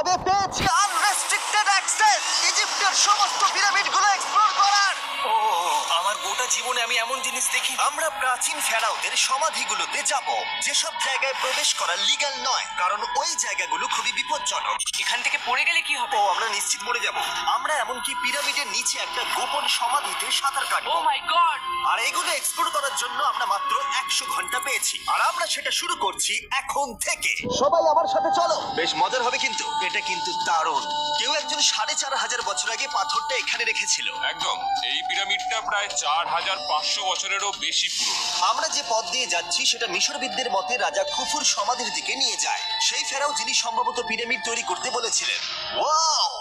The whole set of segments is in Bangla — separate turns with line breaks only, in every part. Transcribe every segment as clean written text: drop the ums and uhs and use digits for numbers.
আমি পেয়েছি আনরেস্ট্রিক্টেড অ্যাক্সেস ইজিপ্টের সমস্ত পিরামিডগুলো এক্সপ্লোর করার।
ও আমার গোটা জীবনে আমি এমন জিনিস দেখি।
আমরা প্রাচীন ফেরাওদের সমাধিগুলোতে যাব, যেসব জায়গায় প্রবেশ করা লিগ্যাল নয়, কারণ ওই জায়গাগুলো খুবই বিপজ্জনক।
এখান থেকে পড়ে গেলে কি হবে?
ও আমরা নিশ্চিত মরে যাব। আমরা এমনকি পিরামিডের নিচে একটা গোপন সমাধিতে সাঁতার
ও
কাটবো।
মাই গড!
আর এগুলো এক্সপ্লোর করার জন্য আমরা মাত্র 100 ঘন্টা পেয়েছি, আর আমরা সেটা শুরু করছি এখন থেকে। সবাই আমার সাথে চলো, বেশ মজার হবে কিন্তু। এটা কিন্তু দারুণ। কেউ একজন 4500 বছর আগে পাথরটা এখানে রেখেছিল।
একদম, এই পিরামিডটা প্রায় 4500 বছরেরও বেশি পুরনো।
আমরা যে পথ দিয়ে যাচ্ছি সেটা মিশরবিদদের মতে রাজা খুফুর সমাধির দিকে নিয়ে যায়, সেই ফেরাও যিনি সম্ভবত পিরামিড তৈরি করতে বলেছিলেন। ওয়াও!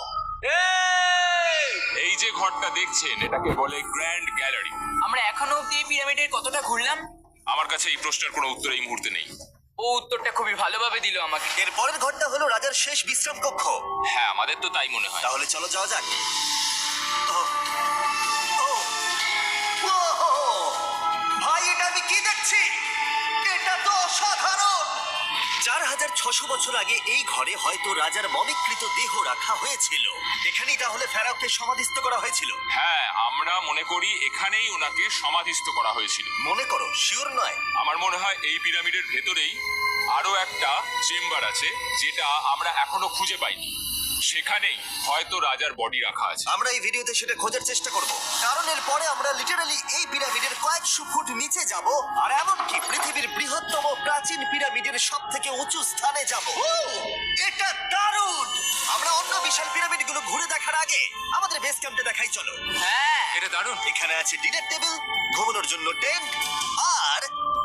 এই যে ঘরটা দেখছেন এটাকে বলে গ্র্যান্ড গ্যালারি।
আমরা এখনো অব্দি এই পিরামিডের কতটা ঘুরলাম?
আমার কাছে এই প্রশ্নের কোনো উত্তর এই মুহূর্তে নেই।
ও উত্তরটা খুবই ভালোভাবে দিল আমাকে।
এর পরের ঘরটা হলো রাজার শেষ বিশ্রাম কক্ষ।
হ্যাঁ, আমাদের তো তাই মনে হয়।
তাহলে চলো যাওয়া যাক। ওহ, ওহ, ওহ! ভাই, এটা আমি কি দেখছি? এটা তো অসাধারণ। 4600 বছর আগে এই ঘরে হয়তো রাজার মমিকৃত দেহ রাখা হয়েছিল। এখানেই তাহলে ফেরাওকে সমাধিস্থ করা হয়েছিল।
হ্যাঁ, আমরা মনে করি এখানেই ওনাকে সমাধিস্থ করা হয়েছিল।
মনে করো, শিওর নয়।
আমার মনে হয় এই পিরামিডের ভেতরেই আরো একটা চেম্বার আছে যেটা আমরা এখনো খুঁজে পাইনি। সেখানেই হয়তো রাজার বডি রাখা আছে।
আমরা এই ভিডিওতে সেটা খোঁজার চেষ্টা করব, কারণ এর পরে আমরা লিটারালি এই পিরামিডের কয়েকশো ফুট নিচে যাব, আর এমনকি পৃথিবীর বৃহত্তম প্রাচীন পিরামিডের সবথেকে উঁচু স্থানে যাব। এটা দারুণ! আমরা অন্য বিশাল পিরামিডগুলো ঘুরে দেখার আগে আমাদের বেস ক্যাম্পে দেখাই চলো।
হ্যাঁ,
এটা দারুণ।
এখানে আছে ডিনার টেবিল, ঘুমানোর জন্য টেন্ট, আর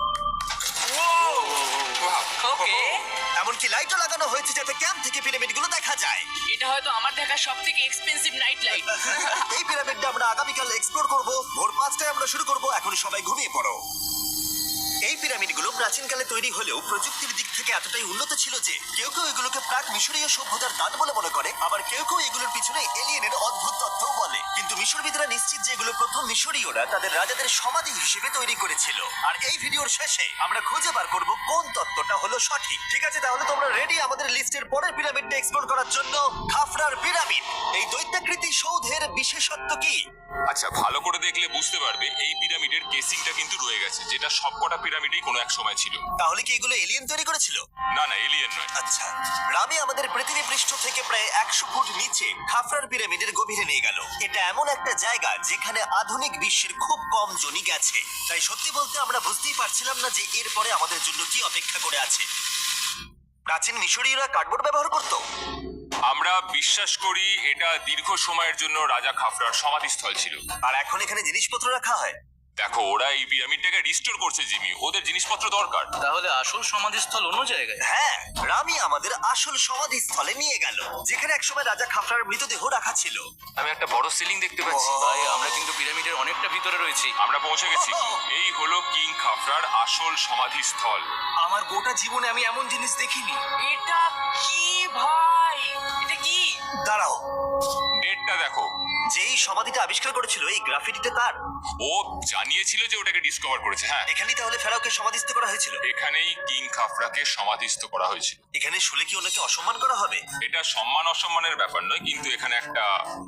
ওকে।
এমনকি লাইটও লাগানো হয়েছে যাতে ক্যাম্প থেকে পিরামিডগুলো দেখা যায়।
এটা হয়তো আমার দেখা সবথেকে এক্সপেন্সিভ নাইট লাইট।
এই পিরামিডটা আমরা আগামীকাল এক্সপ্লোর করব। ভোর 5টায় আমরা শুরু করব। এখন সবাই ঘুমিয়ে পড়ো। এই পিরামিডগুলো প্রাচীনকালে তৈরি হলেও প্রযুক্তির দিক থেকে এতটাই উন্নত ছিল যে কেউ কেউ এগুলোকে প্রাক মিশরীয় সভ্যতার দান বলে মনে করে, আবার কেউ কেউ এগুলোর পিছনে এলিয়েনের অদ্ভুত তথ্যও বলে। কিন্তু মিশরবিদরা নিশ্চিত যে এগুলো প্রথম মিশরীয়রা তাদের রাজাদের সমাধি হিসেবে তৈরি করেছিল। আর এই ভিডিওর শেষে আমরা খুঁজে বার করব কোন তত্ত্বটা হলো সঠিক। ঠিক আছে, তাহলে তোমরা রেডি আমাদের লিস্টের পরের পিরামিডটা এক্সপ্লোর করার জন্য? খাফরার পিরামিড। এই দৈত্যাকৃতি সৌধের বিশেষত্ব কি?
আচ্ছা, ভালো করে দেখলে বুঝতে পারবে এই পিরামিডের কেসিংটা কিন্তু রয়ে গেছে, যেটা সবকটা পিরামিডেই কোনো এক সময় ছিল।
তাহলে কি এগুলো এলিয়েন তৈরি করেছিল?
না না, এলিয়েন নয়।
আচ্ছা, রামি আমাদের পৃথিবী পৃষ্ঠ থেকে প্রায় 100 ফুট নিচে খাফরার পিরামিডের গভীরে নিয়ে গেল। এটা এমন একটা জায়গা যেখানে আধুনিক বিশ্বের খুব কম জনই গেছে। তাই সত্যি বলতে আমরা বুঝতেই পারছিলাম না যে এরপরে আমাদের জন্য কি অপেক্ষা করে আছে। প্রাচীন মিশরীয়রা কার্ডবোর্ড ব্যবহার করত।
আমরা বিশ্বাস করি এটা দীর্ঘ সময়ের জন্য রাজা খাফরার সমাধিস্থল ছিল।
আর এখন এখানে জিনিসপত্র রাখা হয়।
দেখো, ওরা এই পিরামিডটাকে রিস্টোর করছে জিমি, ওদের জিনিসপত্র দরকার।
তাহলে আসল সমাধিস্থল অন্য জায়গায়?
হ্যাঁ, রামি আমাদের আসল সমাধিস্থলে নিয়ে গেল, যেখানে একসময় রাজা খাফরার মৃতদেহ রাখা ছিল।
আমি একটা বড় সিলিং দেখতে পাচ্ছি।
ও।
ভাই, আমরা কিন্তু পিরামিডের অনেকটা ভিতরে রয়েছি।
আমরা পৌঁছে গেছি। এই হলো কিং খাফরার আসল সমাধিস্থল।
আমার গোটা জীবনে আমি এমন জিনিস দেখিনি।
এটা কি ভাই? এটা কি?
দাঁড়াও,
ডেটটা দেখো।
যেই সমাধিটা আবিষ্কার করেছিল এই গ্রাফিটিতে তার।
ও জানিয়েছিল যে ওটাকে ডিসকভার করেছে। হ্যাঁ,
এখানেই তাহলে ফেরাওকে সমাধিস্থ করা হয়েছিল।
এখানেই কিং খাফরাকে সমাধিস্থ করা হয়েছিল।
এখানে শুলে কি ওনাকে অসম্মান করা হবে?
এটা সম্মান অসম্মানের ব্যাপার নয়, কিন্তু এখানে একটা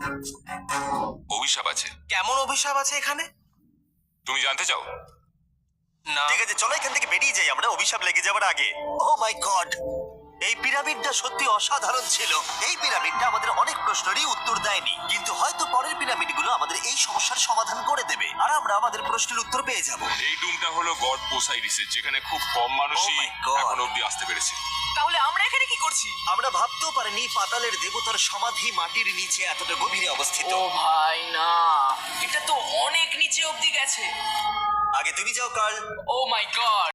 অভিশাপ আছে।
কেমন অভিশাপ আছে এখানে?
তুমি জানতে চাও?
না।
ঠিক আছে, চলো এখান থেকে বেরিয়ে যাই আমরা অভিশাপ লেগে যাবার আগে। ও মাই গড, এই পিরামিডটা সত্যি অসাধারণ ছিল। এই পিরামিডটা আমাদের অনেক প্রশ্নেরই উত্তর দেয়নি, কিন্তু হয়তো পরের পিরামিডগুলো আমাদের এই সমস্যার সমাধান করে দেবে, আর আমরা আমাদের প্রশ্নের উত্তর পেয়ে যাব।
এই ডুমটা হলো গড পোসাইরিসের, যেখানে খুব কম মানুষই
Oh my God.
এখন অব্দি আসতে পেরেছে।
তাহলে আমরা এখানে কি করছি?
আমরা ভাবতেও পারিনি পাতালের দেবতার সমাধি মাটির নিচে এতটা গভীরে অবস্থিত।
ও ভাই না, এটা তো অনেক নিচে অব্দি গেছে।
আগে তুমি যাও কার্ল।
ও মাই গড!